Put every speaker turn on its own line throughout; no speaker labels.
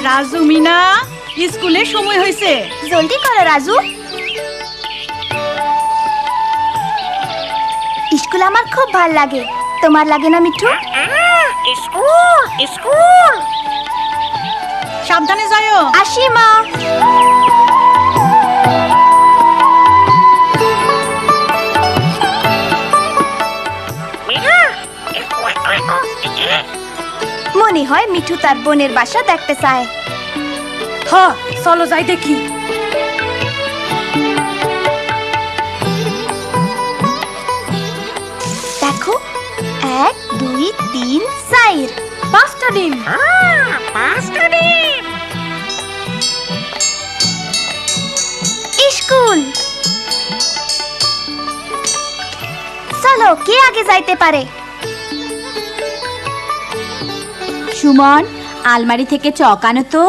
রাজু মিনা স্কুলে সময় হয়েছে,
জলদি করো রাজু। স্কুল আমার খুব ভাল লাগে, তোমার লাগে না মিঠু?
স্কুল স্কুল
সাবধানে যাও।
আসি মা। মনে হয় মিঠু তার বোনের বাসা দেখতে চায়।
হ্যাঁ, চলো যাই দেখি।
দেখো, 1 2 3 4
5টা ডিম।
পাঁচটা ডিম।
স্কুল। চলো, কে আগে যাইতে পারে?
সুমন, আলমারি থেকে চক আনো তো।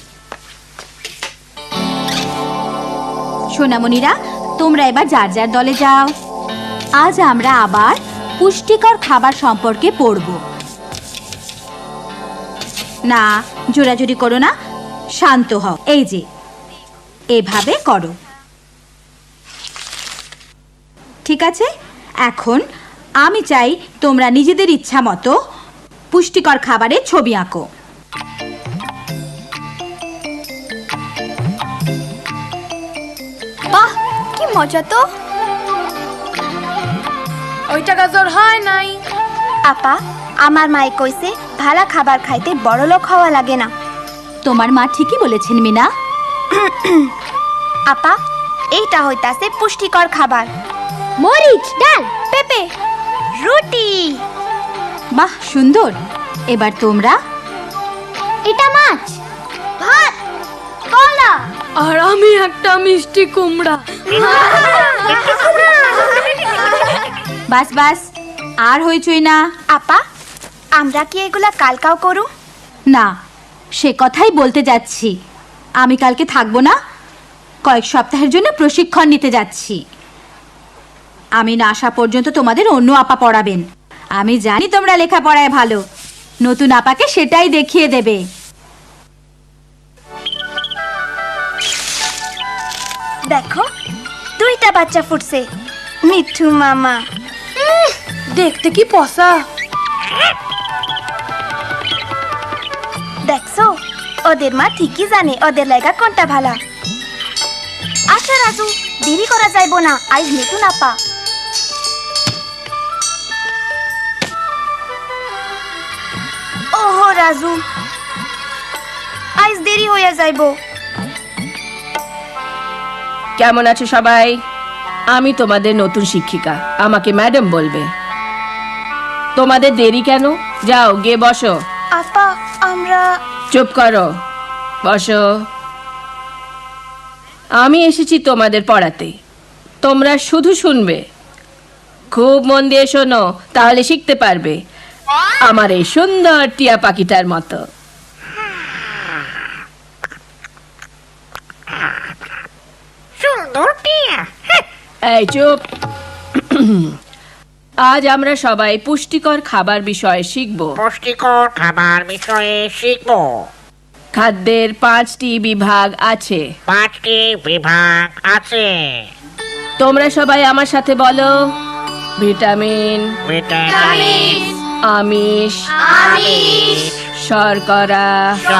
সোনামণিরা, তোমরা এবার যার যার দলে যাও। আজ আমরা আবার পুষ্টিকর খাবার সম্পর্কে পড়ব। না, জোরাজুরি করো না, শান্ত হও। এই যে এভাবে করো, ঠিক আছে? এখন আমি চাই তোমরা নিজেদের ইচ্ছা মতো পুষ্টিকর খাবারের ছবি আঁকো।
বাহ, কি মজা তো।
ওইটা গাজর হয় নাই।
আপা, আমার মায়ে কইছে ভালা খাবার খাইতে বড়লোক হওয়া লাগে না।
তোমার মা ঠিকই বলেছেন মিনা।
আপা, এইটা হইতাছে পুষ্টিকর খাবার। মরিচ, ডাল, পেঁপে, রুটি।
বাহ, সুন্দর। এবার তোমরা।
এটা মাছ, ভাত, কলা।
আর আমি একটা মিষ্টি কুমড়া।
বাস বাস, আর হইচই না।
আপা, আমরা কি এগুলা কালকাও করু?
না, সে কথাই বলতে যাচ্ছি। আমি কালকে থাকবো না, কয়েক সপ্তাহের জন্য প্রশিক্ষণ নিতে যাচ্ছি। আমি না আসা পর্যন্ত তোমাদের অন্য আপা পড়াবেন। আমি জানি তোমরা লেখাপড়ায় ভালো, নতুন আপাকে সেটাই দেখিয়ে দেবে।
দেখো, 2টা বাচ্চা ফুটছে। মিঠু মামা।
দেখতে কি পসা।
দেখছো, ওদের মা ঠিকই জানে ওদের লাগা কোনটা ভালা। আচ্ছা রাজু, দেরি করা যাইব না, আজ নতুন আপা। ওহো রাজু, আজ দেরি হইয়া যাইব।
কেমন আছো সবাই? আমি তোমাদের নতুন শিক্ষিকা, আমাকে ম্যাডাম বলবে। তোমাদের দেরি কেন? যাও গিয়ে বসো।
আপা, আমরা।
চুপ করো, বসো। আমি এসেছি তোমাদের পড়াতে, তোমরা শুধু শুনবে। খুব মন দিয়ে শোনো, তাহলে শিখতে পারবে আমার এই সুন্দর টিয়া পাখিটার মতো।
সুন্দর টিয়া।
এই চুপ। আজ আমরা সবাই পুষ্টিকর খাবার বিষয়ে শিখব।
পুষ্টিকর খাবার বিষয়ে শিখবো।
খাদ্যের 5টি বিভাগ আছে।
5টি বিভাগ আছে।
তোমরা সবাই আমার সাথে বলো। ভিটামিন,
ভিটামিন,
আমিষ, শর্করা,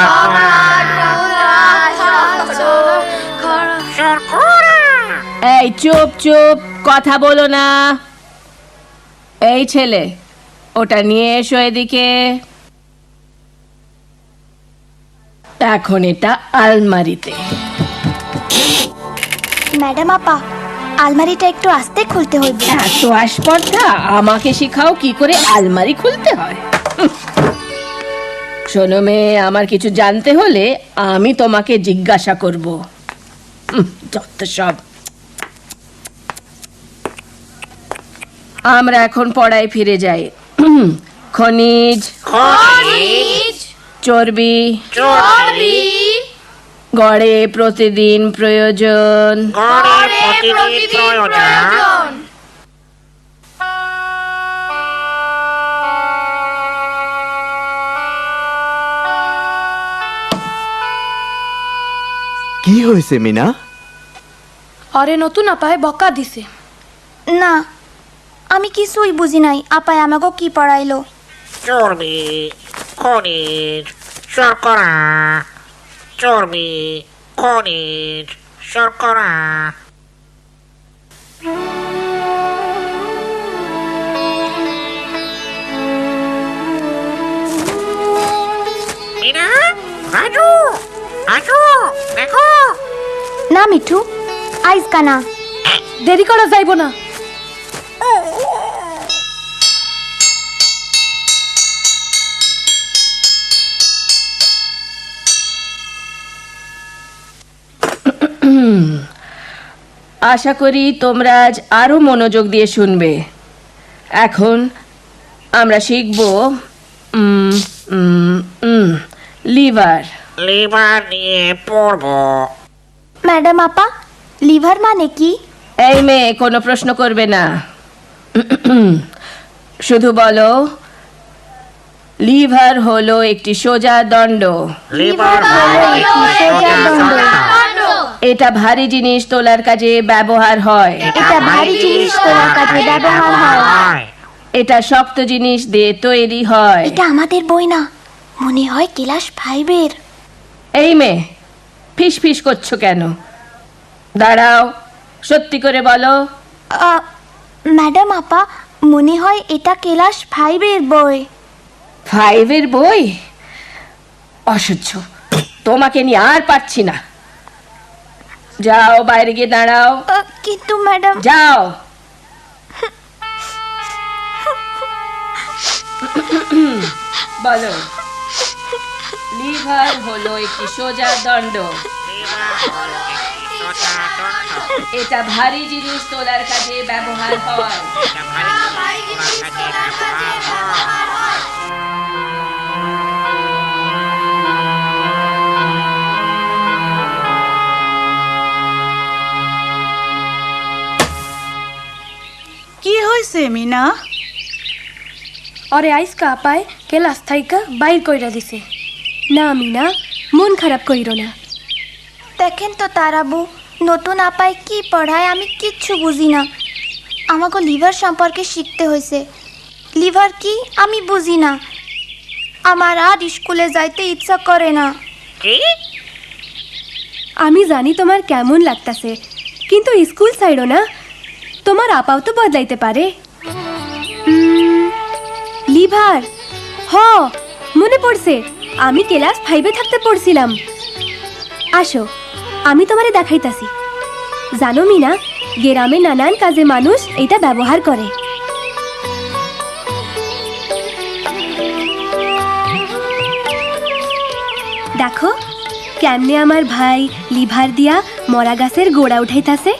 শর্করা।
এই চুপ চুপ, কথা বলো না। এই ছেলে, ওটা নিয়ে এসো এদিকে। এখন এটা আলমারিতে।
ম্যাডাম আপা, আলমারিটা একটু আস্তে খুলতে হইবে।
এত আসপর্দা, আমাকে শিখাও কি করে আলমারি খুলতে হয়। শোনো মেয়ে, আমার কিছু জানতে হলে আমি তোমাকে জিজ্ঞাসা করব। যত সব। আমরা এখন পড়ায় ফিরে যাই। খনিজ, চর্বি, গড়ে প্রতিদিন প্রয়োজন।
হয়েছে মিনা?
অরে নতুন আপায় বকা দিছে।
না, আমি কিছুই বুঝি নাই। আপায় আমাকে কি পড়াইলো?
চর্বি, খনিজ, শর্করা। চর্বি, খনিজ, শর্করা। মিনা, রাজু, আসো, দেখো।
না মিঠু, আইজ কানা।
দেরি করা যাইব না।
আশা করি তোমরা আজ আরো মনোযোগ দিয়ে শুনবে। এখন আমরা শিখব লিভার।
লিভার নিয়ে পড়বো।
ম্যাডাম আপা, লিভার মানে কি?
এই মেয়ে কোনো প্রশ্ন করবে না, শুধু বলো লিভার হলো একটি সোজা দণ্ড।
লিভার হলো একটি সোজা দণ্ড।
এটা ভারী জিনিস তোলার কাজে ব্যবহার হয়।
এটা ভারী জিনিস তোলার কাজে ব্যবহার হয়।
এটা শক্ত জিনিস দিয়ে তৈরি হয়।
এটা আমাদের বই না, মনে হয় ক্লাস 5-এর।
এই মেয়ে ফিস ফিস করছো কেন? দাঁড়াও, সত্যি করে বলো।
ম্যাডাম আপা, মনে হয় এটা ক্লাস 5-এর বই।
5-এর বই? অসহ্য, তোমাকে নিয়ে আর পারছি না। যাও বাইরে গিয়ে দাঁড়াও।
কিন্তু ম্যাডাম।
যাও। বলো, লিভার হলো একটি সোজা দণ্ড। এটা ভারী জিনিস তোলার কাজে ব্যবহার হয়।
কি হয়েছে মিনা?
অরে আইসকা আপায় ক্লাস থাইকা বাইর কইরা দিছে। না মিনা, মন খারাপ কইরো না।
দেখেন তো তারাবু, নতুন আপায় কি পড়ায় আমি কিচ্ছু বুঝি না। আমাকে লিভার সম্পর্কে শিখতে হয়েছে। লিভার কি আমি বুঝি না। আমার আর স্কুলে যাইতে ইচ্ছা করে না।
কি?
আমি জানি তোমার কেমন লাগতাছে, কিন্তু স্কুল ছাইড়ো না। তোমার আপাও তো বদলাইতে পারে। লিভার, হ মনে পড়ছে, আমি ক্লাস 5-এ থাকতে পড়ছিলাম। আসো, আমি তোমারে দেখাইতাছি। জানো মিনা, গ্রামে নানান কাজে মানুষ এটা ব্যবহার করে। দেখো কেমনে আমার ভাই লিভার দিয়া মরা গাছের গোড়া উঠাইতাছে।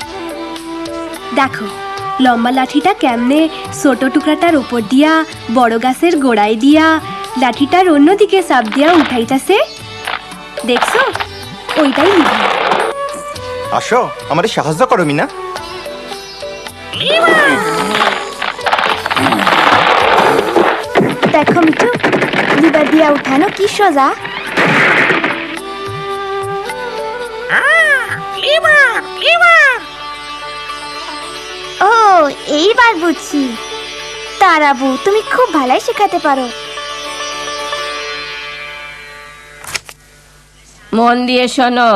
দেখো লম্বা লাঠিটা কেমনে ছোট টুকরাটার উপর দিয়া বড় গাছের গোড়ায় দিয়া লাঠিটার অন্যদিকে চাপ দিয়া উঠাইতাছে। দেখছো, ওইটাই লিভার।
আসো, আমারে সাহায্য করো মিনা।
দেখো মিঠু, লিভার দিয়া উঠানো কি সোজা।
Liver, liver.
ও, এইবার বুঝছি। তারাবু, তুমি খুব ভালোই শেখাতে পারো।
মন দিয়ে শোনো,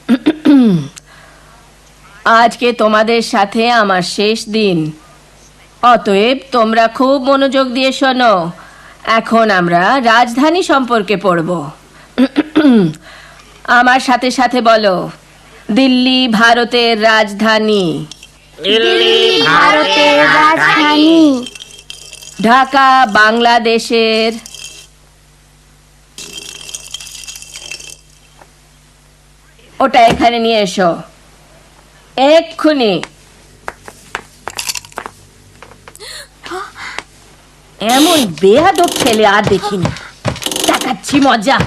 আজকে তোমাদের সাথে আমার শেষ দিন। অতএব তোমরা খুব মনোযোগ দিয়ে শোনো। এখন আমরা রাজধানী সম্পর্কে পড়ব। আমার সাথে সাথে বলো, দিল্লি ভারতের রাজধানী।
দিল্লি
ভারতের রাজধানী।
ঢাকা বাংলাদেশের। ওটা এখানে নিয়ে এসো এক্ষুনি। এমন বেয়াদব ছেলে আর দেখিনি। দেখাচ্ছি মজা।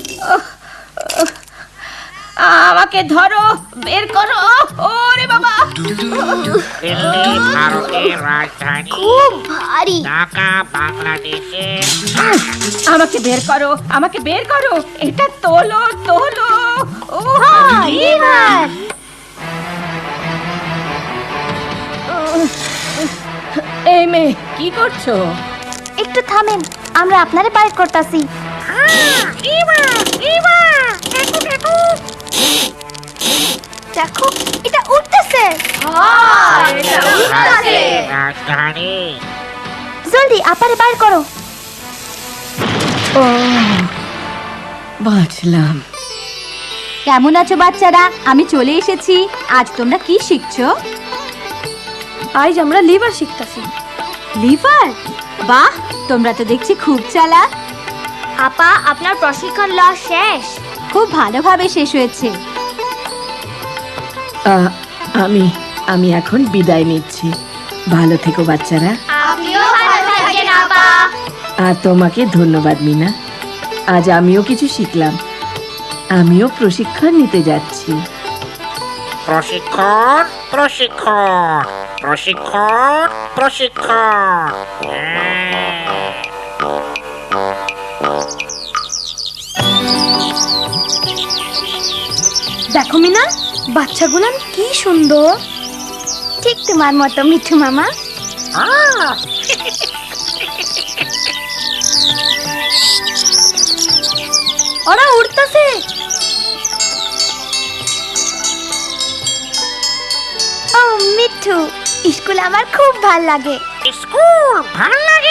আমাকে ধরো, বের করো। ওরে বাবা,
দিল্লি ভারতের রাজধানী,
খুব ভারী।
ঢাকা বাংলাদেশের।
আমাকে বের করো, আমাকে বের করো, এটা তোলো তোলো। ও
লিভার।
এই মেয়ে কি করছো?
একটু থামেন, আমরা আপনারে বাইর করতাছি। দেখো, এটা উঠতেছে।
ভারতের রাজধানী।
জলদি আপারে বাইর করো।
ও বাঁচলাম।
কেমন আছো বাচ্চারা? আমি চলে এসেছি। আজ তোমরা কি শিখছো?
আজ আমরা লিভার শিখতাছি।
লিভার? বাহ, তোমরা তো দেখছি খুব চালাক।
আপা, আপনার প্রশিক্ষণ লওয়া শেষ।
খুব ভালোভাবে শেষ হয়েছে।
আমি এখন বিদায় নিচ্ছি। ভালো থেকো বাচ্চারা।
আপনিও ভালো থাকবেন আপা।
আর তোমাকে ধন্যবাদ মিনা। আজ আমিও কিছু শিখলাম। আমিও প্রশিক্ষণ নিতে যাচ্ছি।
প্রশিক্ষণ প্রশিক্ষণ প্রশিক্ষণ প্রশিক্ষণ।
দেখো মিনা, বাচ্চাগুলান কি সুন্দর।
ঠিক তোমার মতো মিঠু মামা।
ওরা উড়তাছে।
ও মিঠু, স্কুল আমার খুব ভাল লাগে।
স্কুল ভাল লাগে।